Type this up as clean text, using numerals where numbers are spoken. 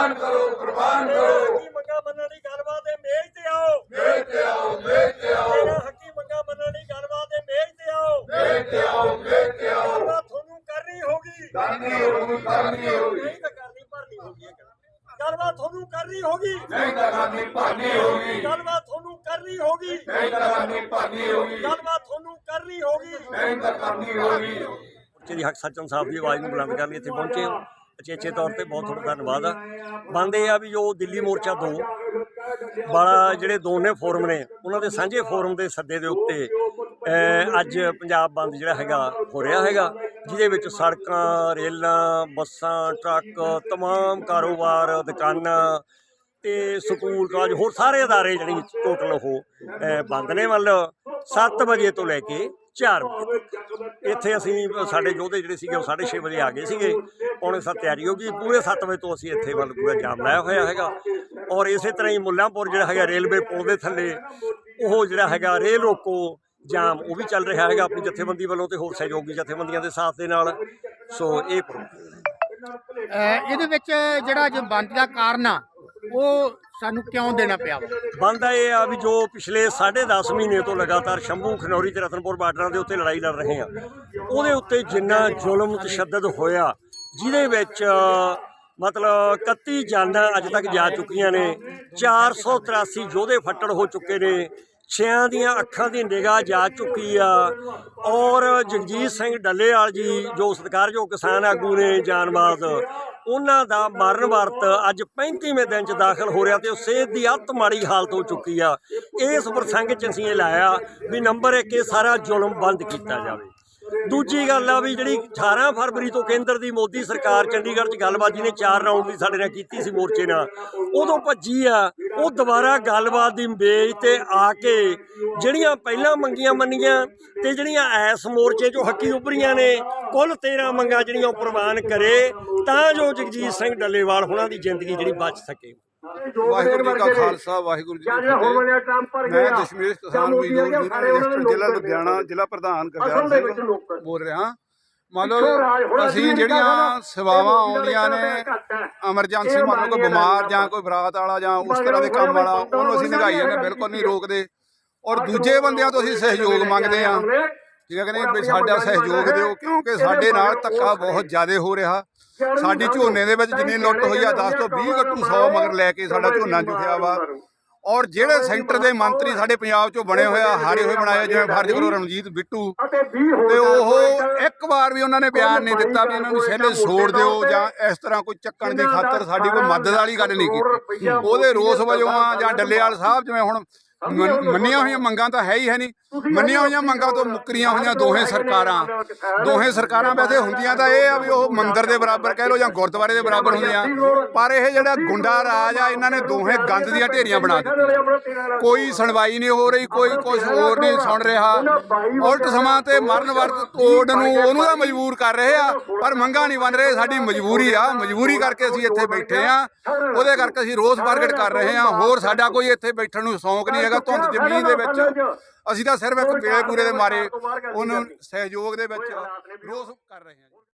कुर्बान करो हकी मंगा मनण दी गलबात दे मेज ते आओ तेरा हकी मंगा मनण दी गलबात दे मेज ते आओ गलबात थोनू करनी होगी नहीं तो करनी भरनी होगी गलबात थोनू करनी होगी गलबात थोनू करनी होगी गलबात थोनू करनी होगी जी हक सज्जन साहब की आवाज़ में बुलंद करने इतने पहुंचे हो अचेचे तौर पर बहुत थोड़ा धन्यवाद आ बनते आ भी जो दिल्ली मोर्चा दो बड़ा ਜਿਹੜੇ ਦੋਨੇ ਫੋਰਮ ਨੇ ਉਹਨਾਂ ਦੇ ਸਾਂਝੇ ਫੋਰਮ ਦੇ ਸੱਦੇ ਦੇ ਉੱਤੇ ਅੱਜ ਪੰਜਾਬ ਬੰਦ ਜਿਹੜਾ ਹੈਗਾ ਹੋ ਰਿਹਾ ਹੈਗਾ ਜਿਹਦੇ ਵਿੱਚ ਸੜਕਾਂ ਰੇਲਾਂ ਬੱਸਾਂ ਟਰੱਕ तमाम ਕਾਰੋਬਾਰ ਦੁਕਾਨਾਂ ਤੇ ਸਕੂਲ ਕਾਲਜ ਹੋਰ ਸਾਰੇ ਅਦਾਰੇ ਜਿਹੜੀ ਟੋਟਲ ਉਹ ਬੰਦ ਨੇ ਮਤਲਬ 7 ਵਜੇ ਤੋਂ ਲੈ ਕੇ 4 ਵਜੇ ਇੱਥੇ ਅਸੀਂ ਸਾਡੇ ਯੋਧੇ ਜਿਹੜੇ ਸੀਗੇ ਉਹ 6:30 ਵਜੇ ਆ ਗਏ ਸੀਗੇ ਪੌਣੇ 7 ਤਿਆਰੀ ਹੋ ਗਈ ਪੂਰੇ 7 ਵਜੇ ਤੋਂ ਅਸੀਂ ਇੱਥੇ ਮਤਲਬ ਪੂਰਾ ਜਾਮ ਲਾਇਆ ਹੋਇਆ ਹੈਗਾ ਔਰ ਇਸੇ ਤਰ੍ਹਾਂ ਹੀ ਮੁੱਲਾਂਪੁਰ ਜਿਹੜਾ ਹੈਗਾ ਰੇਲਵੇ ਪੁਲ ਦੇ ਥੱਲੇ ਉਹ ਜਿਹੜਾ ਹੈਗਾ ਰੇਲ ਰੋਕੋ ਜਾਮ ਉਹ ਵੀ ਚੱਲ ਰਿਹਾ ਹੈਗਾ ਆਪਣੀ ਜਥੇਬੰਦੀ ਵੱਲੋਂ ਤੇ ਹੋਰ ਸਹਿਯੋਗੀ ਜਥੇਬੰਦੀਆਂ ਦੇ ਸਾਥ ਦੇ ਨਾਲ ਸੋ ਇਹ ਇਹਦੇ ਵਿੱਚ ਜਿਹੜਾ ਜੋ ਬੰਦ ਦਾ ਕਾਰਨ ਆ ਉਹ ਸਾਨੂੰ ਕਿਉਂ ਦੇਣਾ ਪਿਆ ਬੰਦ ਇਹ ਆ ਵੀ ਜੋ ਪਿਛਲੇ 10.5 ਮਹੀਨੇ ਤੋਂ ਲਗਾਤਾਰ ਸ਼ੰਭੂ ਖਨੌਰੀ ਤੇ ਰਤਨਪੁਰ ਬਾਰਡਰਾਂ ਦੇ ਉੱਤੇ ਲੜਾਈ ਲੜ ਰਹੇ ਆ ਉਹਦੇ ਉੱਤੇ ਜਿੰਨਾ ਜ਼ੁਲਮ ਤਸ਼ੱਦਦ ਹੋਇਆ ਜਿਹਦੇ ਵਿੱਚ ਮਤਲਬ 31 ਜਾਨਾਂ ਅੱਜ ਤੱਕ ਜਾ ਚੁੱਕੀਆਂ ਨੇ 483 ਯੋਧੇ ਫੱਟੜ ਹੋ ਚੁੱਕੇ ਨੇ 6 ਦੀਆਂ ਅੱਖਾਂ ਦੀ ਨਿਗਾਹ ਜਾ ਚੁੱਕੀ ਆ ਔਰ ਜਗਜੀਤ ਸਿੰਘ ਡੱਲੇਵਾਲ ਜੀ ਜੋ ਸਤਿਕਾਰਯੋਗ ਕਿਸਾਨ ਆਗੂ ਨੇ ਜਾਨਬਾਜ਼ ਉਹਨਾਂ ਦਾ ਮਰਨ ਵਰਤ ਅੱਜ 35ਵੇਂ ਦਿਨ 'ਚ ਦਾਖਲ ਹੋ ਰਿਹਾ ਤੇ ਉਹ ਸਿਹਤ ਦੀ ਅੱਤ ਮਾੜੀ ਹਾਲਤ ਹੋ ਚੁੱਕੀ ਆ ਇਸ ਪ੍ਰਸੰਗ 'ਚ ਅਸੀਂ ਇਹ ਲਾਇਆ ਵੀ ਨੰਬਰ 1 ਇਹ ਸਾਰਾ ਜ਼ੁਲਮ ਬੰਦ ਕੀਤਾ ਜਾਵੇ ਦੂਜੀ ਗੱਲ ਆ ਵੀ ਜਿਹੜੀ 18 ਫਰਵਰੀ ਤੋਂ ਕੇਂਦਰ ਦੀ ਮੋਦੀ ਸਰਕਾਰ ਚੰਡੀਗੜ੍ਹ 'ਚ ਗੱਲਬਾਤ ਜਿਹਨੇ 4 ਰਾਊਂਡ ਦੀ ਸਾਡੇ ਨਾਲ ਕੀਤੀ ਸੀ ਮੋਰਚੇ ਨਾਲ ਉਦੋਂ ਭੱਜੀ ਆ ਉਹ ਦੁਬਾਰਾ ਗੱਲਬਾਤ ਦੀ ਮੇਜ਼ 'ਤੇ ਆ ਕੇ ਜਿਹੜੀਆਂ ਪਹਿਲਾਂ ਮੰਗੀਆਂ ਮੰਨੀਆਂ ਤੇ ਜਿਹੜੀਆਂ ਐਸ ਮੋਰਚੇ 'ਚੋਂ ਹੱਕੀ ਉੱਭਰੀਆਂ ਨੇ ਕੁੱਲ 13 ਮੰਗਾਂ ਜਿਹੜੀਆਂ ਉਹ ਪ੍ਰਵਾਨ ਕਰੇ ਤਾਂ ਜੋ ਜਗਜੀਤ ਸਿੰਘ ਡੱਲੇਵਾਲ ਹੁਣਾਂ ਦੀ ਜ਼ਿੰਦਗੀ ਜਿਹੜੀ ਬਚ ਸਕੇ ਵਾਹਿਗੁਰੂ ਜੀ ਕਾ ਖਾਲਸਾ ਵਾਹਿਗੁਰੂ ਜੀ ਕੀ ਫਤਿਹ ਮੈਂ ਦਸ਼ਮੇਸ਼ ਕਿਸਾਨ ਮਜ਼ਦੂਰ ਯੂਨੀਅਨ ਜ਼ਿਲ੍ਹਾ ਲੁਧਿਆਣਾ ਜ਼ਿਲ੍ਹਾ ਪ੍ਰਧਾਨ ਗੁਰਦਿਆਲ ਸਿੰਘ ਬੋਲ ਰਿਹਾ ਮੰਨ ਲਓ ਅਸੀਂ ਜਿਹੜੀਆਂ ਸੇਵਾਵਾਂ ਆਉਂਦੀਆਂ ਨੇ ਐਮਰਜੈਂਸੀ ਮੰਨ ਲਓ ਕੋਈ ਬਿਮਾਰ ਜਾਂ ਕੋਈ ਬਰਾਤ ਵਾਲਾ ਜਾਂ ਉਸ ਤਰ੍ਹਾਂ ਦੇ ਕੰਮ ਵਾਲਾ ਉਹਨੂੰ ਅਸੀਂ ਨਿਗਾਈ ਜਾਂਦੇ ਬਿਲਕੁਲ ਨਹੀਂ ਰੋਕਦੇ ਔਰ ਦੂਜੇ ਬੰਦਿਆਂ ਤੋਂ ਅਸੀਂ ਸਹਿਯੋਗ ਮੰਗਦੇ ਹਾਂ ਠੀਕ ਹੈ ਕਿ ਨਹੀਂ ਵੀ ਸਾਡਾ ਸਹਿਯੋਗ ਦਿਓ ਕਿਉਂਕਿ ਸਾਡੇ ਨਾਲ ਧੱਕਾ ਬਹੁਤ ਜ਼ਿਆਦਾ ਹੋ ਰਿਹਾ ਸਾਡੀ ਝੋਨੇ ਦੇ ਵਿੱਚ ਜਿੰਨੀ ਲੁੱਟ ਹੋਈ ਆ 10 ਤੋਂ 20 ਗੱਟੂ 100 ਮਗਰ ਲੈ ਕੇ ਸਾਡਾ ਝੋਨਾ ਚੁੱਕਿਆ ਵਾ ਔਰ ਜਿਹੜੇ ਸੈਂਟਰ ਦੇ ਮੰਤਰੀ ਸਾਡੇ ਪੰਜਾਬ 'ਚੋਂ ਬਣੇ ਹੋਇਆ ਹਾਰੇ ਹੋਏ ਬਣਾਏ ਜਿਵੇਂ ਫਰਜ਼ ਕਰੋ ਰਣਜੀਤ ਬਿੱਟੂ ਤੇ ਉਹ ਇੱਕ ਵਾਰ ਵੀ ਉਹਨਾਂ ਨੇ ਬਿਆਨ ਨਹੀਂ ਦਿੱਤਾ ਵੀ ਇਹਨਾਂ ਨੂੰ ਛੇਲੇ ਛੋੜ ਦਿਓ ਜਾਂ ਇਸ ਤਰ੍ਹਾਂ ਕੋਈ ਚੱਕਣ ਦੀ ਖਾਤਰ ਸਾਡੀ ਕੋਈ ਮਦਦ ਵਾਲੀ ਗੱਲ ਨਹੀਂ ਕੀਤੀ ਉਹਦੇ ਰੋਸ ਵਜੋਂ ਆ ਜਾਂ ਡੱਲੇਵਾਲ ਸਾਹਿਬ ਜਿਵੇਂ ਹੁਣ ਮੰਨੀਆਂ ਹੋਈਆਂ ਮੰਗਾਂ ਤਾਂ ਹੈ ਹੀ ਹੈ ਨਹੀਂ ਮੰਨੀਆਂ ਹੋਈਆਂ ਮੰਗਾਂ ਤੋਂ ਮੁੱਕਰੀਆਂ ਹੋਈਆਂ ਦੋਹੇ ਸਰਕਾਰਾਂ ਵੈਸੇ ਹੁੰਦੀਆਂ ਤਾਂ ਇਹ ਆ ਵੀ ਉਹ ਮੰਦਿਰ ਦੇ ਬਰਾਬਰ ਕਹਿ ਲਓ ਜਾਂ ਗੁਰਦੁਆਰੇ ਦੇ ਬਰਾਬਰ ਹੁੰਦੀਆਂ ਪਰ ਇਹ ਜਿਹੜਾ ਗੁੰਡਾ ਰਾਜ ਆ ਇਹਨਾਂ ਨੇ ਦੋਹੇ ਗੰਦ ਦੀਆਂ ਢੇਰੀਆਂ ਬਣਾ ਦਿੱਤੀਆਂ ਕੋਈ ਸੁਣਵਾਈ ਨਹੀਂ ਹੋ ਰਹੀ ਕੋਈ ਕੁਝ ਹੋਰ ਨਹੀਂ ਸੁਣ ਰਿਹਾ ਉਲਟ ਸਮਾਂ ਤੇ ਮਰਨ ਵਰਤ ਤੋੜ ਨੂੰ ਉਹਨੂੰ ਤਾਂ ਮਜਬੂਰ ਕਰ ਰਹੇ ਆ ਪਰ ਮੰਗਾਂ ਨਹੀਂ ਬਣ ਰਹੇ ਸਾਡੀ ਮਜਬੂਰੀ ਕਰਕੇ ਅਸੀਂ ਇੱਥੇ ਬੈਠੇ ਆ ਉਹਦੇ ਕਰਕੇ ਅਸੀਂ ਰੋਸ ਪ੍ਰਗਟ ਕਰ ਰਹੇ ਹਾਂ ਹੋਰ ਸਾਡਾ ਕੋਈ ਇੱਥੇ ਬੈਠਣ ਨੂੰ ਸ਼ੌਂਕ ਨਹੀਂ ਹੈਗਾ ਧੁੰਦ ਜ਼ਮੀਨ ਦੇ ਵਿੱਚ ਅਸੀਂ ਤਾਂ ਸਿਰਫ ਇੱਕ ਪੇੜੇ ਪੂਰੇ ਦੇ ਮਾਰੇ ਉਹਨੂੰ ਸਹਿਯੋਗ ਦੇ ਵਿੱਚ ਰੋਸ ਕਰ ਰਹੇ ਹਾਂ।